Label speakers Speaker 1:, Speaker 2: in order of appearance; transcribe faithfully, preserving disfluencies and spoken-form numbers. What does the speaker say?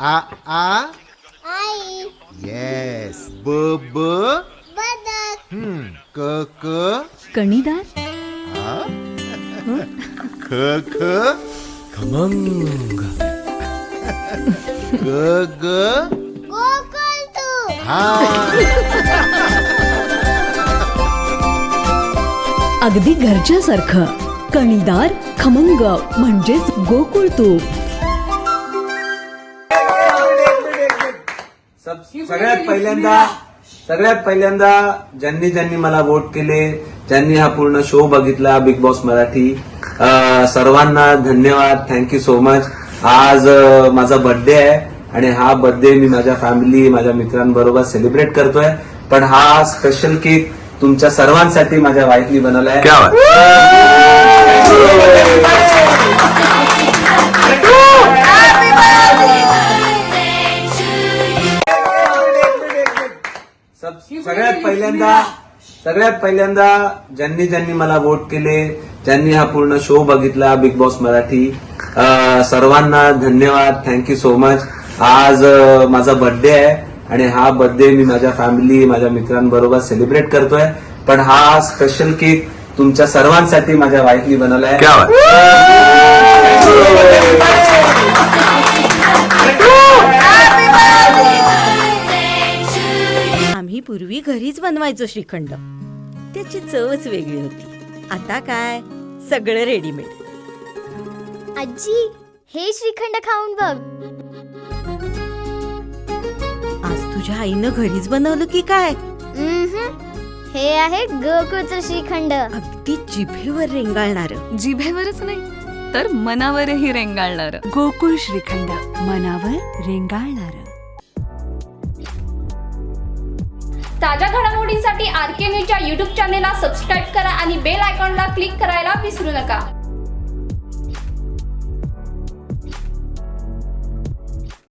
Speaker 1: आ आ
Speaker 2: आई.
Speaker 1: Yes. ब ब
Speaker 2: बदक.
Speaker 1: हम्म. क क
Speaker 3: कणीदार.
Speaker 1: ख ख
Speaker 4: खमंग.
Speaker 1: ग ग
Speaker 2: गोकुळ तू.
Speaker 1: हा.
Speaker 3: अगदी घरच्यासारखं कणीदार खमंग म्हणजेच गोकुळ तूप.
Speaker 5: सगळ्यात पहिल्यांदा सगळ्यात पहिल्यांदा ज्यांनी ज्यांनी मला वोट केले, ज्यांनी हा पूर्ण शो बघितला बिग बॉस मराठी, अं, सर्वांना धन्यवाद. Thank you so much. आज अं, माझा बर्थडे आहे आणि हा बर्थडे मी माझ्या फॅमिली माझ्या मित्रांबरोबर सेलिब्रेट करतोय. पण हा स्पेशल केक तुमच्या सर्वांसाठी माझ्या वाईफनी बनवलाय. सगळ्यात पहिल्यांदा सगळ्यात पहिल्यांदा ज्यांनी ज्यांनी मला वोट केले, ज्यांनी हा पूर्ण शो बघितला बिग बॉस मराठी, अं, सर्वांना धन्यवाद. Thank you so much. आज अं, माझा बर्थडे आहे आणि हा बर्थडे मी माझ्या फॅमिली माझ्या मित्रांबरोबर सेलिब्रेट करतोय. पण हा स्पेशल केक तुमच्या सर्वांसाठी माझ्या वाईफनी बनवलाय.
Speaker 6: आम्ही पूर्वी घरीच बनवायचो श्रीखंड. त्याची चवच वेगळी होती. आता काय सगळं रेडीमेड.
Speaker 2: आजी, हे श्रीखंड खाऊन बघ.
Speaker 6: आज तुझ्या आईनं घरीच बनवलं की काय?
Speaker 2: उम्हम. हे आहे गोकुळचं श्रीखंड.
Speaker 6: अगदी जिभेवर रेंगाळणार.
Speaker 7: जिभेवरच नाही तर मनावरही रेंगाळणार. गोकुळ श्रीखंड, मनावर रेंगाळणार.
Speaker 8: ताज्या घडामोडींसाठी आर के न्यूजच्या यूट्यूब चॅनेलला सबस्क्राईब करा आणि बेल आयकॉनला क्लिक करायला विसरू नका.